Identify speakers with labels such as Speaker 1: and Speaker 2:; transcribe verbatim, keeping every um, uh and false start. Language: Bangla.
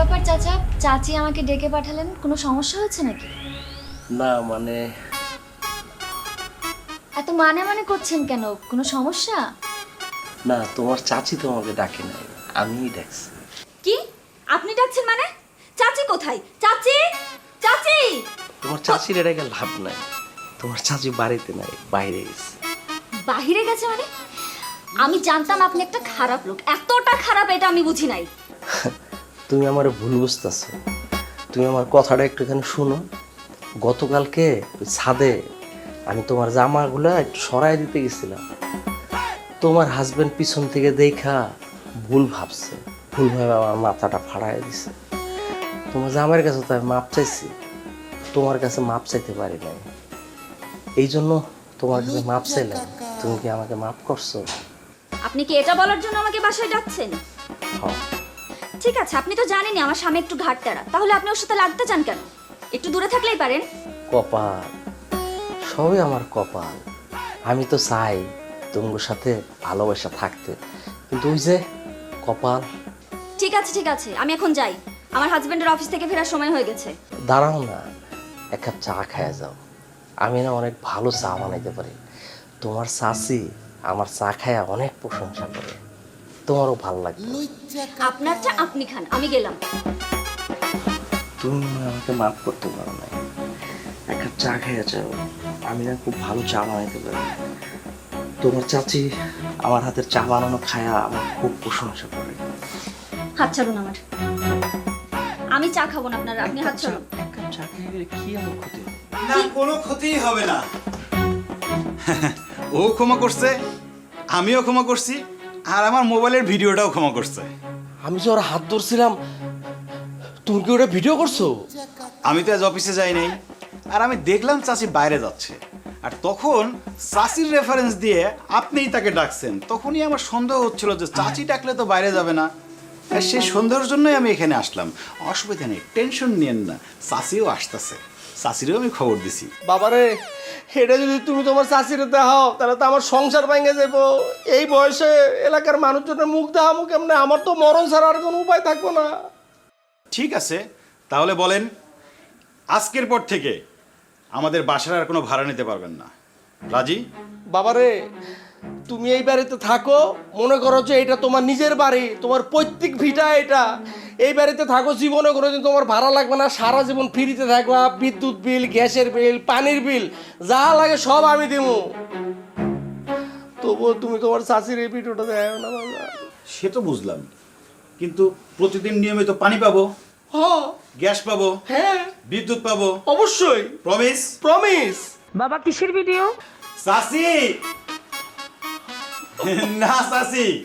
Speaker 1: ব্যাপার চাচা, চাচি আমাকে ডেকে পাঠালেন, কোনো সমস্যা হচ্ছে নাকি?
Speaker 2: না মানে
Speaker 1: এত মানে মানে করছেন কেন, কোনো সমস্যা?
Speaker 2: না, তোমার চাচি তোমাকে ডাকে নাই, আমিই ডাকছি।
Speaker 3: কি আপনি ডাকছেন মানে? চাচি কোথায়? চাচি, চাচি!
Speaker 2: তোমার চাচির ডেকে লাভ নাই, তোমার চাচি বাড়িতে নাই, বাইরে গেছে।
Speaker 3: বাহিরে গেছে মানে? আমি জানতাম আপনি একটা খারাপ লোক, এতটা খারাপ এটা আমি বুঝি নাই।
Speaker 2: তুমি আমার ভুল বুঝতেছো। তুমি আমার কথাটা একটুখানি শুনো। গতকালকে ওই ছাদে আমি তোমার জামাগুলো একটু সরাই দিতে গেছিলাম। তোমার হাজবেন্ড পিছন থেকে দেখা ভুল ভাবছে, ভুল ভাবে আমার মাথাটা ফাড়াই দিছে। তোমার জামাইয়ের কাছে তো আমি মাপ চাইছি, তোমার কাছে মাপ চাইতে পারি নাই। এই জন্য তোমার কাছে মাপ চাইলাম। তুমি কি আমাকে মাপ করছো?
Speaker 3: আপনি কি এটা বলার জন্য আমাকে বাসায় ডাকছেন?
Speaker 2: হ্যাঁ।
Speaker 3: ঠিক আছে, আপনি তো জানেনই আমার স্বামী একটু ঘাটতেরা, তাহলে আপনি ওর সাথে লাগতে চান কেন? একটু দূরে থাকলেই পারেন।
Speaker 2: কপাল, সবই আমার কপাল। আমি তো চাই তোমার সাথে ভালোবাসা থাকতে, কিন্তু ওই যে কপাল।
Speaker 3: ঠিক আছে ঠিক আছে, আমি এখন যাই, আমার হাজবেন্ডের অফিস থেকে ফেরার সময় হয়ে গেছে।
Speaker 2: দাঁড়াও না, এক কাপ চা খায়া যাও। আমি না অনেক ভালো চা বানাইতে পারি। তোমার চাচি আমার চা খায়া অনেক প্রশংসা করে, তোমারও ভালো লাগবে।
Speaker 3: আপনার চা আপনি খান, আমি গেলাম।
Speaker 2: তুমি মনে হয় আমাকে মাফ করতে পারো না। এক কাপ চা খাইয়া যাও, আমি না খুব ভালো চা বানাইতে পারি। তোমার চাচি আমার হাতের চা বানানো খায়া আমার খুব প্রশংসা করে।
Speaker 3: হাত ছাড়ুন আমার, আমি চা খাবো না আপনার, আপনি হাত ছাড়ুন।
Speaker 2: এক কাপ চা খেয়ে গেলে কি আমার ক্ষতি হবে?
Speaker 4: না, কোনো ক্ষতিই হবে না। ও ক্ষমা করছে, আমিও ক্ষমা করছি, আর আমার মোবাইলের ভিডিওটাও ক্ষমা করছে।
Speaker 2: আমি যে ওর হাত ধরছিলাম, তুমি কি ওটা ভিডিও করছো?
Speaker 4: আমি তো আজ অফিসে যাই নাই, আর আমি দেখলাম চাচি বাইরে যাচ্ছে, আর তখন চাচির রেফারেন্স দিয়ে আপনিই তাকে ডাকছেন। তখনই আমার সন্দেহ হচ্ছিল যে চাচি ডাকলে তো বাইরে যাবে না, আর সেই সন্দেহের জন্যই আমি এখানে আসলাম। অসুবিধা নেই, টেনশন নিয়েন না, চাচিও আসতেছে, চাচিরও আমি খবর দিছি।
Speaker 5: বাবারে, এটা যদি তুমি তোমার চাষিরে দেখাও তাহলে তো আমার সংসার ভেঙে যাবো। এই বয়সে এলাকার মানুষজনের মুখ দেখাবো কেমনে? আমার তো মরণ ছাড়া আর কোনো উপায় থাকবো না।
Speaker 4: ঠিক আছে, তাহলে বলেন, আজকের পর থেকে আমাদের বাসার আর কোনো ভাড়া নিতে পারবেন না, রাজি?
Speaker 5: বাবারে, তুমি এই বাড়িতে থাকো, মনে করো যে এটা তোমার নিজের বাড়ি, তোমার পৈতৃক ভিটা এটা। এই বাড়িতে থাকো, জীবনে কোনোদিন তোমার ভাড়া লাগবে না, সারা জীবন ফ্রিতে থাকবা। বিদ্যুৎ বিল, গ্যাসের বিল, পানির বিল, যা লাগে সব আমি দেবো। তবুও তুমি তোমার চাষির এই ভিডিওটা দেখো না বাবা।
Speaker 4: সে তো বুঝলাম, কিন্তু প্রতিদিন নিয়মিত পানি পাবো,
Speaker 5: হ্যাঁ
Speaker 4: গ্যাস পাবো,
Speaker 5: হ্যাঁ
Speaker 4: বিদ্যুৎ পাবো,
Speaker 5: অবশ্যই,
Speaker 4: প্রমিস?
Speaker 5: প্রমিস।
Speaker 6: বাবা কিসের ভিডিও?
Speaker 4: চাচি না চাচি,